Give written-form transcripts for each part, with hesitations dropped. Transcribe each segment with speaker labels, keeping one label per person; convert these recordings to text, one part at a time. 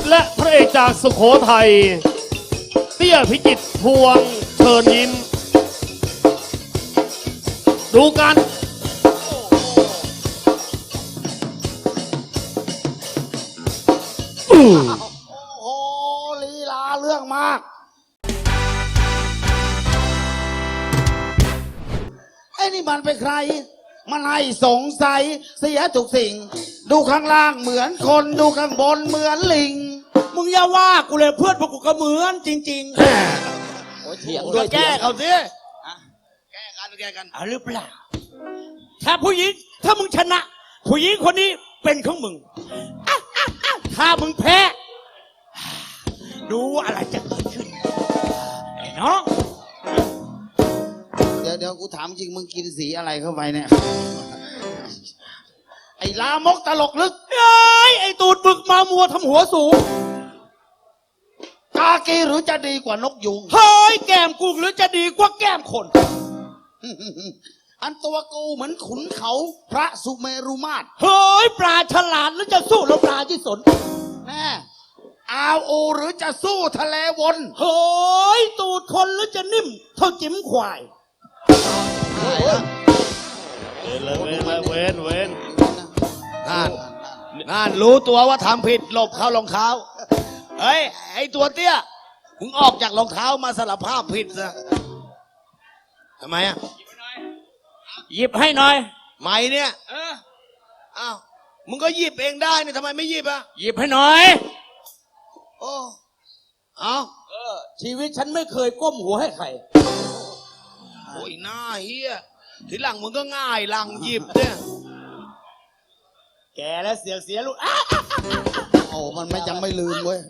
Speaker 1: และพระเอกจากสุโขทัยเตี้ยพิจิตรพวงเชิญยิ้มดูกัน
Speaker 2: โอ้โหลีลาเรื่องมากไอ้นี่มันเป็นใครมันให้สงสัยเสียทุกสิ่งดูข้างล่างเหมือนคนดูข้างบนเหมือนลิง
Speaker 3: มึงอย่าว่ากูเลยเพื่อนพวกกูก็เหมือนจริงๆ
Speaker 2: โอ้ยเถียงด้วยแก้เขาสิแก้กัน
Speaker 3: เอาหรือเปล่าถ้าผู้หญิงถ้ามึงชนะผู้หญิงคนนี้เป็นของมึงถ้ามึงแพ้ดูอะไรจะเกิดขึ้นไอ้น้อง
Speaker 2: เดี๋ยวกูถามจริงมึงกินสีอะไรเข้าไปเนี่ยไอ้ลามกตลกลึก
Speaker 3: ไอ้ตูดบึกมามัวทำหัวสูง
Speaker 2: กากีหรือจะดีกว่านกยุง
Speaker 3: เฮ้ยแก้มกูหรือจะดีกว่าแก้มคน
Speaker 2: อันตัวกูเหมือนขุนเขาพระสุเมรุมาตร
Speaker 3: เฮ้ยปลาฉลาดหรือจะสู้แล้วปลาที่สน
Speaker 2: แน่อาวโอหรือจะสู้ทะเลวน
Speaker 3: เฮ้ยตูดคนหรือจะนิ่มเท่าจิ้มควาย
Speaker 1: เว้น
Speaker 4: นั่นรู้ตัวว่าทำผิดหลบเข้ารองเท้าเฮ้ยไอตัวเตี้ยมึงออกจากรองเท้ามาสารภาพผิดซะทำไมอ่ะ
Speaker 3: หยิบให้หน่อย
Speaker 4: ไม่เนี่ยอ้าวมึงก็หยิบเองได้นี่ทำไมไม่หยิบอ่ะ
Speaker 3: หยิบให้หน่อย
Speaker 4: โอ้เอา
Speaker 3: ชีวิตฉันไม่เคยก้มหัวให้ใคร
Speaker 4: โอ้ยหน้าเฮียทีหลังมึงก็ง่ายหลังหยิบเนี่ย
Speaker 3: แกแล้วเสียลูก
Speaker 2: โอ้มันไม่จำไม่ลืมเว้ย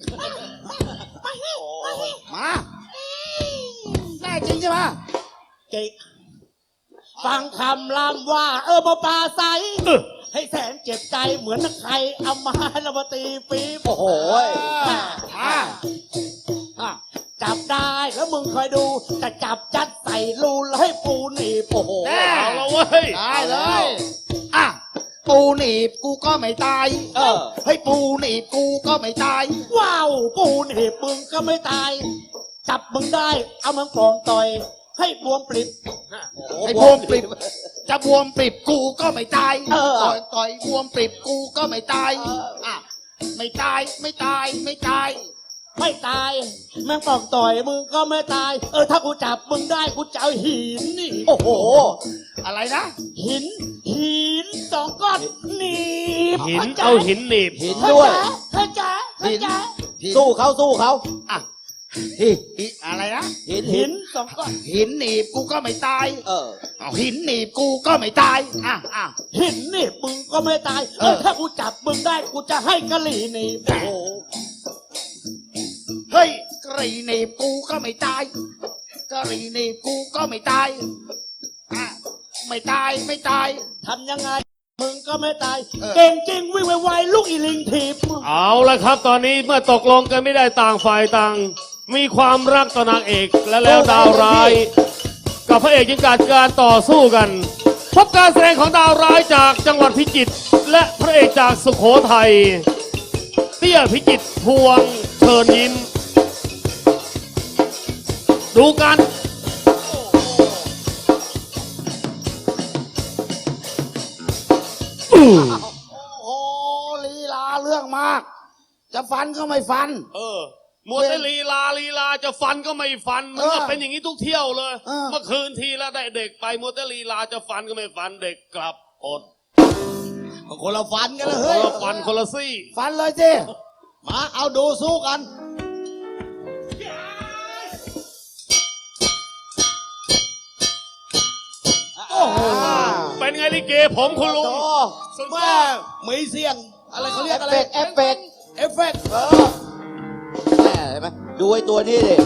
Speaker 2: มาแน่จริงใช่ไหม
Speaker 3: เก่งฟังคำลำว่ามาปลาใสให้แสนเจ็บใจเหมือนนักใครเอามาละมาตีปีโอ้โหจับได้แล้วมึงคอยดูจะจับจัดใส่รูแล้วให้ปูหนีบโอ้โห
Speaker 1: เอาละเว้ย
Speaker 2: ได้เลยปูหนีบกูก็ไม่ตายให้ปูหนีบกูก็ไม่ตาย
Speaker 3: ว้าวปูหนีบมึงก็ไม่ตายจับมึงได้เอามึงปลอมต่อยให้บวมปริบ
Speaker 2: ให้บวมปริบจะบวมปริบกูก็ไม่ตายต่อยบวมปริบกูก็ไม่ตายไม่ตายแม่งปลอมต่อยมึงก็ไม่ตายถ้ากูจับมึงได้กูจะเอาหินนี่โอ้โหอะไรนะหิน2 ก้อนหนีบ
Speaker 1: หินเอาหินหนีบ
Speaker 2: หินด้วย
Speaker 3: เข้าใจ
Speaker 2: สู้เขาอะไรนะ
Speaker 3: หิน2 ก้อน
Speaker 2: หินหนีบกูก็ไม่ตายเอาหินหนีบกูก็ไม่ตาย
Speaker 3: หินหนีบมึงก็ไม่ตายถ้ากูจับมึงได้กูจะให้กะหรี่หนีบโอ้โห
Speaker 2: เฮ้ยกะหรี่หนีบกูก็ไม่ตายกะหรี่หนีบกูก็ไม่ตายไม่ตาย
Speaker 3: ทำยังไงมึงก็ไม่ตายเก่งจริงวิ่งไวๆลูกอีลิงทีบ
Speaker 1: เอาละครับตอนนี้เมื่อตกลงกันไม่ได้ต่างฝ่ายต่างมีความรักต่อนางเอกและแล้วดาวร้ายกับพระเอกยังการต่อสู้กันพบการแสดงของดาวร้ายจากจังหวัดพิจิตรและพระเอกจากสุโขทัยเตี้ยพิจิตรพวงเชิญยิ้มดูกัน
Speaker 2: โอ้โหลีลาเรื่องมากจะฟันก็ไม่ฟัน
Speaker 1: มัวแต่ลีลาจะฟันก็ไม่ฟันมันก็เป็นอย่างนี้ทุกเที่ยวเลยเมื่อคืนทีแล้วได้เด็กไปมัวแต่ลีลาจะฟันก็ไม่ฟันเด็กกลับอด
Speaker 4: คนละฟันกันเลยเฮ้ย
Speaker 1: คนละฟันคนละซี่
Speaker 2: ฟันเลยสิ
Speaker 4: มาเอาดูสู้กัน
Speaker 1: โอ้โหเป็นไงลิเกผมคุณลุง
Speaker 4: สุดยอดมีเสียงอะไรเขาเรียกอะไร
Speaker 2: เอฟเฟกต์
Speaker 4: แม่เห็นไหมดูไอ้ตัวนี้ดิ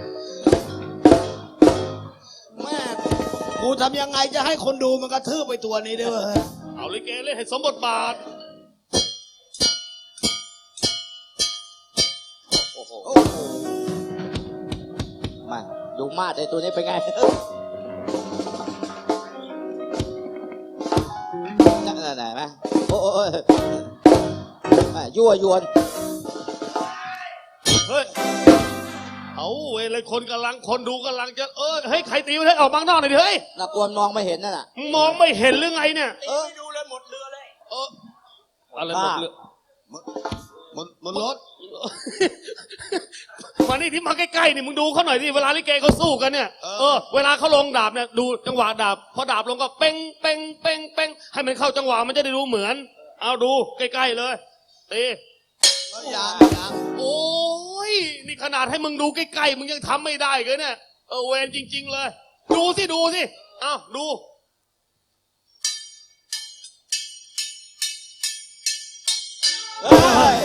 Speaker 4: แม่กูทำยังไงจะให้คนดูมันกระทืบไปตัวนี้ด้วย
Speaker 1: เอาลิเกเล่นให้สมบทบาท
Speaker 2: มาดูมาดไอ้ตัวนี้เป็นไงนั่นไหนไหมโอ้ยยั่วยวน
Speaker 1: เฮ้ยเอาเว้ยเลยคนดูกำลังจะเฮ้ยใครตีมันให้ออกมาข้างนอกหน่อยดิเฮ้ย
Speaker 2: น่ากลัวมองไม่เห็นนั่นน่ะ
Speaker 1: มึงมองไม่เห็นหรือไงเนี่ย
Speaker 3: ไม่ดูเลยหมดเรือเลย
Speaker 1: อะไรหมดเรือ
Speaker 4: มันรถ
Speaker 1: มานี่ที่มาใกล้ๆนี่มึงดูเขาหน่อยดิเวลาลิเกเขาสู้กันเนี่ยเวลาเขาลงดาบเนี่ยดูจังหวะดาบพอดาบลงก็เป้งเป้งเป้งเป้งให้มันเข้าจังหวะมันจะได้ดูเหมือน เอาดูใกล้ๆเลยตี
Speaker 4: ยัง
Speaker 1: โอ้ยนี่ขนาดให้มึงดูใกล้ๆมึงยังทำไม่ได้เลยเนี่ยเวรจริง ๆเลยดูสิเอาดู
Speaker 2: เฮ้ย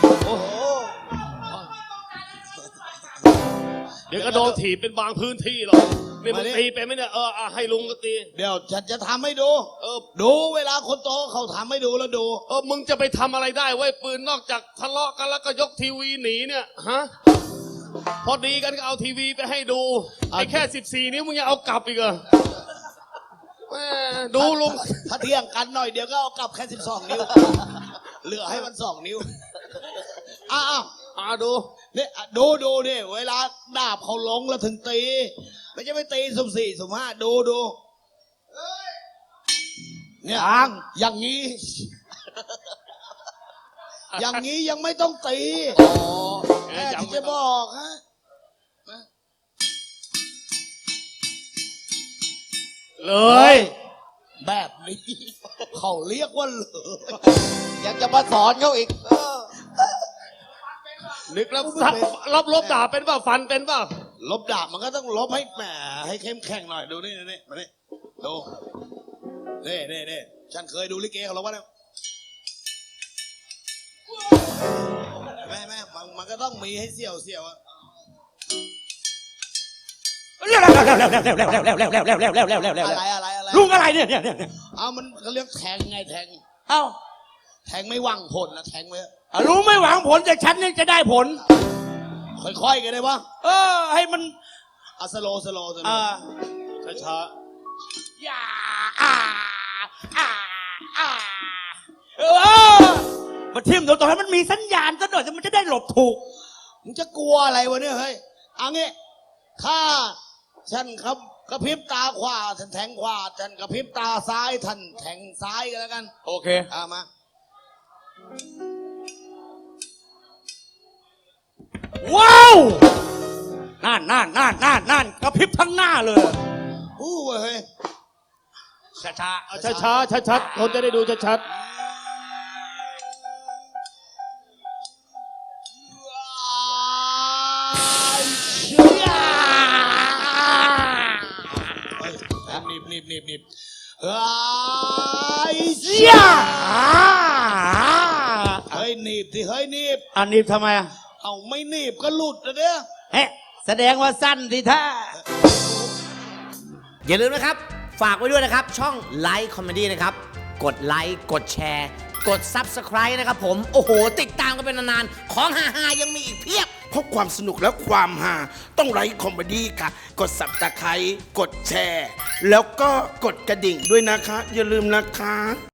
Speaker 1: เดี๋ยวก็โดนถีบเป็นบางพื้นที่หรอกนี่มึงตีไปไหมเนี่ยให้ลุงก็ตี
Speaker 4: เดี๋ยวฉันจะทำให้ดูดูเวลาคนโตเขาทำให้ดูแล้วดู
Speaker 1: มึงจะไปทำอะไรได้ไว้ปืนนอกจากทะเลาะกันแล้วก็ยกทีวีหนีเนี่ยฮะพอดีกันก็เอาทีวีไปให้ดูไอ้แค่14 นิ้วมึงยังเอากลับอีกเหรอแม่ดูลุง
Speaker 4: ถ้าเที่ยงกันหน่อยเดี๋ยวก็เอากลับแค่12 นิ้วเหลือให้มัน2 นิ้วอ้าว
Speaker 1: ดู
Speaker 4: เนี่ยดูนี่เวลาดาบเขาลงแล้วถึงตีไม่ใช่ไปตีสุ่ม4 สุ่ม 5ดูเนี่ยอย่างนี้ อย่างนี้ยังไม่ต้องตีแม่ที่จะบอกฮะ
Speaker 1: เลย
Speaker 4: แบบนี้เขาเรียกว่าเลย
Speaker 2: ยังจะมาสอนเขาอีก
Speaker 1: นึกแล้วลบดาบเป็นเปล่าฟันเป็นเปล่า
Speaker 4: ลบดาบมันก็ต้องลบให้แหมให้เข้มแข็งหน่อยดูนี่มานี่ดูนี่ฉันเคยดูลิเกเขาลบว่าเนี่ยแม่มันก็ต้องมีให้เสี่ยวอะ อะไร
Speaker 3: ลุงอะไรเนี่ย
Speaker 4: เอามันเขาเรียกแทงไงแทง
Speaker 3: เอ้า
Speaker 4: แทงไม่หวังผลนะแทงไว้
Speaker 3: ลุงไม่หวังผลแต่ฉันยังจะได้ผล
Speaker 4: ค่อยๆกันได้ปะ
Speaker 3: ให้มัน
Speaker 4: เอาสโลว์
Speaker 1: ช้า
Speaker 3: อย่ามาทิ่มเดี๋ยวต่อให้มันมีสัญญาณซะหน่อยมันจะได้หลบถูก
Speaker 4: มึงจะกลัวอะไรวะเนี่ยเฮ้ยเอางี้ถ้าฉันครับกระพริบตาขวาฉันแทงขวาฉันกระพริบตาซ้ายท่านแทงซ้ายกันแล้วกัน
Speaker 3: โอเค
Speaker 4: มา
Speaker 3: ว้าวนั่นกระพริบทั้งหน้าเลย
Speaker 4: อู้เฮ้ย
Speaker 1: ช้าชัดๆคนจะได้ดูชัด
Speaker 4: หนีบเฮ้ยหนีบสิเฮ้ยหนีบ
Speaker 3: อันนี้ทำไมอ่ะ
Speaker 4: เอาไม่หนีบก็หลุดนะเนี่ย
Speaker 3: แสดงว่าสั้นสิท่า
Speaker 5: อย่าลืมนะครับ ฝากไว้ด้วยนะครับ ช่องไลค์คอมเมดี้นะครับ กดไลค์กดแชร์ กด Subscribe นะครับผม โอ้โห ติดตามกันเป็นนานๆ ของฮาๆยังมีอีกเพียบ
Speaker 6: เพราะความสนุกและความฮาต้องไลค์คอมเมดี้ค่ะ กดสับตะไคร้กดแชร์ แล้วก็กดกระดิ่งด้วยนะคะ อย่าลืมนะคะ